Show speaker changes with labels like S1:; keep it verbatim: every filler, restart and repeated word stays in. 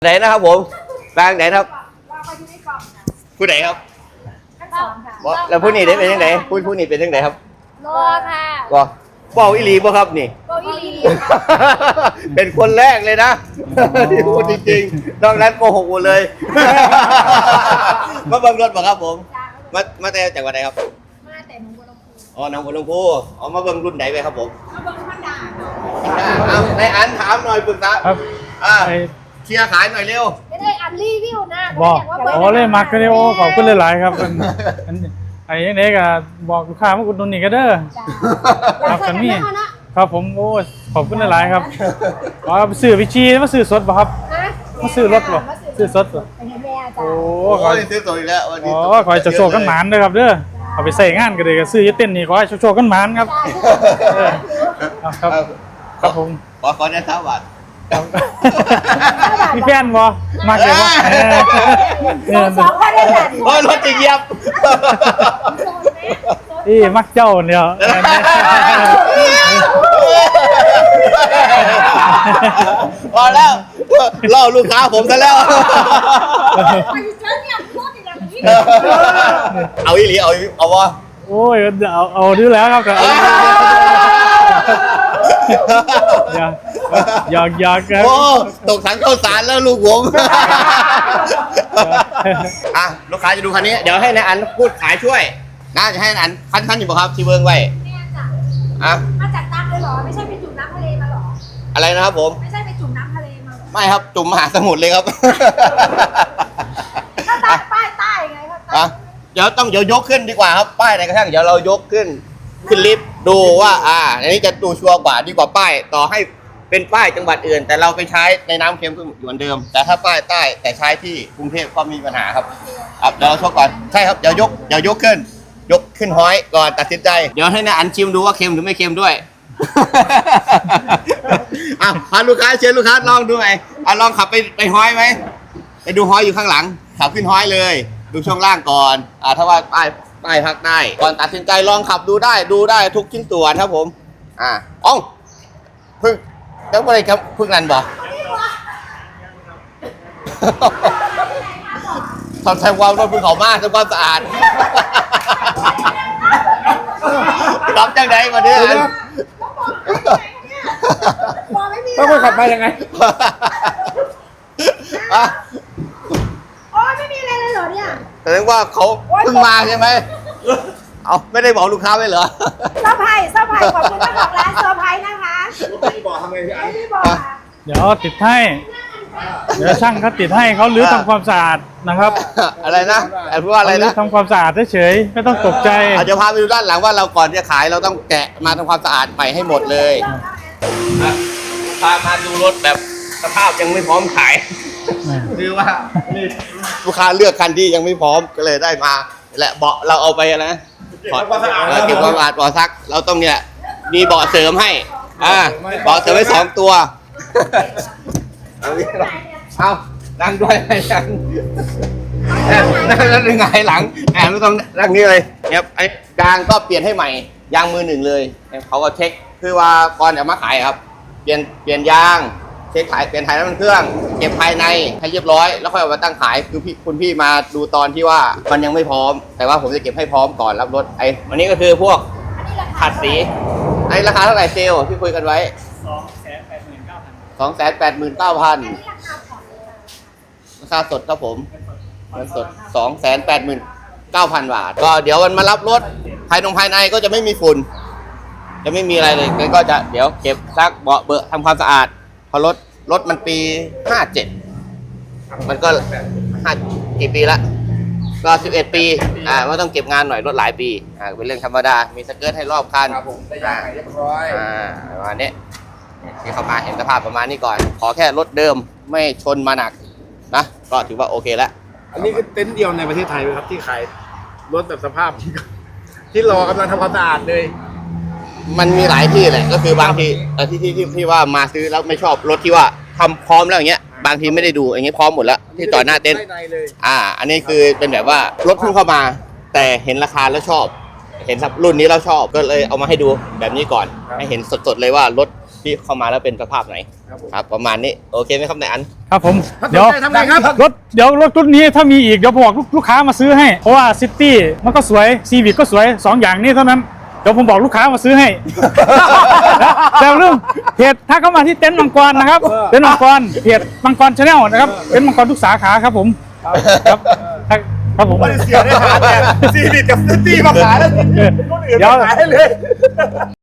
S1: ไหนนะครับผมกลางไหนครับผู้ไหนครับแล้วผู้นี้ได้เป็นยังไงผู้ผู้นี้เป็นยังไงครับ
S2: รอค่ะ
S1: ก็เป่าอีหลีบ่ครับนี่
S2: เป่าอีหลี
S1: เป็นคนแรกเลยนะที่พูดจริงๆนอกนั้นโกหกหมดเลยมาเบิ่งรถบ่ครับผมมามาแต่จากวันไหนครับ
S2: มาแต่หนองบัวลำพู
S1: อ๋อหนองบัวลำพูอ๋อมาเบิ่งรุ่นไหนไปครับผม
S2: มาเบิ่งธรรมดา
S1: เอาในอันถามหน่อยปรึกษา
S3: ครับ
S1: อ่าเชียร์ขายหน่อยเร็ว
S2: ไม่ได้อันรีวิวนะ
S3: บอกโอ้เลยมักกันเลยโอ้ขอบคุณหลายๆครับไอ้ยังไงก็บอกลูกค้ามาอุดหนุนนี่ก็เด้อครับกันนี่ครับผมโอ้ขอบคุณหลายๆครับอ๋อซื้อวิชีมาซื้อสดป่ะครับมาซื้อรถป่ะซื้อสดป่ะ
S1: โอ้ขอซื้อสดอีกแล้ววันนี้
S3: อ๋อขอให้โชคกันหมานด้วยครับเด้อเอาไปใส่งานกันเลยก็ซื้อยึดเต้นนี่ขอให้โชคกันหมานครับครับครับผม
S1: ขอขอได้สามบาท
S3: มีแฟนบ่มากเลยบ่
S2: สองคนได้กัน
S1: โอ้รถจะเหยียบ
S3: นี่มักเจ้าเนี่ย
S1: พอแล้วล่อลูกค้าผมซะแล้วเอาอีหลีเอาเอาวะ
S3: โอ้ยเอาเอาดื้อแล้วครับแต่อยากอยากครับ
S1: โอ้ตกถังข้าวสารแล้วลูกผมอ่ะลูกค้าจะดูคันนี้เดี๋ยวให้นายอันพูดขายช่วยน่าจะให้นายอันคันคันอยู่ป่ะครับที่เบิ้งไว้
S2: อ่ะมาจากตักเลยหรอไม่ใช่ไปจุ่มน้ำทะเลมาหรอ
S1: อะไรนะครับผม
S2: ไม่ใช่ไปจุ่มน้ำทะเลมา
S1: ไม่ครับจุ่มมหาสมุทรเลยครับ
S2: ก็ใต้ป้ายใต้ไงครับ
S1: เดี๋ยวต้องเดี๋ยวยกขึ้นดีกว่าครับป้ายไหนกระทั่งเดี๋ยวเรายกขึ้นขึ้นลิฟต์ดูว่าอ่าอันนี้จะดูชัวร์กว่าดีกว่าป้ายต่อให้เป็นป้ายจังหวัดอื่นแต่เราไปใช้ในน้ำเค็มก็เหมือนเดิมแต่ถ้าป้ายใต้แต่ใช้ที่กรุงเทพก็มีปัญหาครับครับเดี๋ยวเราชกก่อนใช่ครับเดี๋ยวยกเดี๋ยวยกขึ้นยกขึ้นห้อยก่อนตัดสินใจเดี๋ยวให้นายอันชิมดูว่าเค็มหรือไม่เค็มด้วยอ่ะพาลูกค้าเชิญลูกค้าลองดูไหมอ่ะลองขับไปไปห้อยไหมไปดูห้อยอยู่ข้างหลังขับขึ้นห้อยเลยดูช่วงล่างก่อนอ่าถ้าว่าป้ายป้ายพักได้ก่อนตัดสินใจลองขับดูได้ดูได้ทุกชิ้นส่วนครับผมอ่าอ๋อเพิ่งแล้วอะไรครับเพิ่งนั่นบ่ทำแทนความรถเพิ่งเขามากทำความสะอาดรับจังไดมาเนี่ย
S3: ต้องไปขับไปยังไง
S1: อ่ะ
S2: โอ้ไม่มีอะไรเลยเหรอเนี่ย
S1: แสดงว่าเขาเพิ่งมาใช่ไหมเอาไม่ได้บอกลูกค้าไว้เหรอ
S2: เซอร์ไพรส์เซอร์ไพรส์ขอบคุณเจ้าของร้านเซอร์ไพรส์นะคะไม่บอกทำไงพี่อันไม่บอก
S3: เดี๋ยวติดให้เดี๋ยวช่างเขาติดให้เขาลื้อทำความสะอาดนะครับ
S1: อะไรนะไอ้พวกอะไรนะ
S3: ทำความสะอาดเฉยๆไม่ต้องตกใจ
S1: อาจจะพาไปดูด้านหลังว่าเราก่อนจะขายเราต้องแกะมาทำความสะอาดใหม่ให้หมดเลยพามาดูรถแบบสภาพยังไม่พร้อมขายคือว่าลูกค้าเลือกคันที่ยังไม่พร้อมก็เลยได้มาแหละเบาะเราเอาไปนะเก็บความสะอาดเก็บความสะอาดเบาะซักเราต้องเนี่ยมีเบาะเสริมให้อ่าเบาะเสริมไว้สองตัวเอานั่งด้วยนั่งนั่งแล้วยังไงหลังแอบไม่ต้องนั่งนี่เลยเนี่ยไอ้ยางก็เปลี่ยนให้ใหม่ยางมือหนึ่งเลยเขาก็เช็คคือว่าก่อนจะมาขายครับเปลี่ยนเปลี่ยนยางเช็คขายเปลี่ยนถ่ายน้ำมันเครื่องเก็บภายในให้เรียบร้อยแล้วค่อยเอามาตั้งขายคือพี่คุณพี่มาดูตอนที่ว่ามันยังไม่พร้อมแต่ว่าผมจะเก็บให้พร้อมก่อนรับรถไอ้วันนี้ก็คือพวกขัดสีไอ้ราคาเท่าไหร่เซลที่คุยกันไว้สองแสนแปดหมื่นเก้าพันสองแสนแปดหมื่นเก้าพันราคาสดครับผมเงินสดสองแสนแปดหมื่นเก้าพันบาทก็เดี๋ยวมันมารับรถภายในภายในก็จะไม่มีฝุ่นจะไม่มีอะไรเลยก็จะเดี๋ยวเก็บซักเบาะเบอะทำความสะอาดพอรถรถมันปีห้าเจ็ดมันก็ห้ากี่ปีละก็สิบเอ็ดปีอ่ามันต้องเก็บงานหน่อยรถหลายปีอ่าเป็นเรื่องธรรมดามีสเกิร์ตให้รอบคัน
S4: ครับผมได้ยางเรียบร้อย
S1: อ่าประมาณนี้ที่เข้ามาเห็นสภาพประมาณนี้ก่อนขอแค่รถเดิมไม่ชนมาหนักนะก็ถือว่าโอเคแล้ว
S4: อันนี้คือเต็นท์เดียวในประเทศไทยไหมครับที่ขายรถแบบสภาพที่รอกำลังทำความสะอาดเลย
S1: มันมีหลายที่แหละก็คือบางทีที่ที่ที่ที่ว่ามาซื้อแล้วไม่ชอบรถที่ว่าทำพร้อมแล้วอย่างเงี้ยบางทีไม่ได้ดูอย่างเงี้ยพร้อมหมดแล้วที่ต่อหน้าเต็นท์อ่าอันนี้คือเป็นแบบว่ารถเพิ่งเข้ามาแต่เห็นราคาแล้วชอบเห็นรุ่นนี้เราชอบก็เลยเอามาให้ดูแบบนี้ก่อนให้เห็นสดๆเลยว่ารถที่เข้ามาแล้วเป็นสภาพไหนครับประมาณนี้โอเคไหมครับนายอัน
S3: ครับผม
S4: ถ้าสน
S3: เดี๋ยว
S4: ใจทำไงครับ
S3: รถเดี๋ยวรถรุ่นนี้ถ้ามีอีกเดี๋ยวบอกลูกลูกค้ามาซื้อให้เพราะว่าซิตี้มันก็สวยซีวิ c ก็สวยสองอย่างนี้เท่านั้นเดี๋ยวผมบอกลูกค้ามาซื้อให้ แต่เรื่องเพจถ้าเข้ามาที่เต็นท์มังกรนะครับเต็นท์มังกรเพจมังกรชาแนลนะครับเต็นท์มังกรทุกสาขาครับผมครับครับผม
S4: ไม่ได้เสียได้หาแต่ซีรีส์กับซิตี้มาขายแล้วคนอื่น
S3: เดี๋ยว
S4: มาขายให้เลย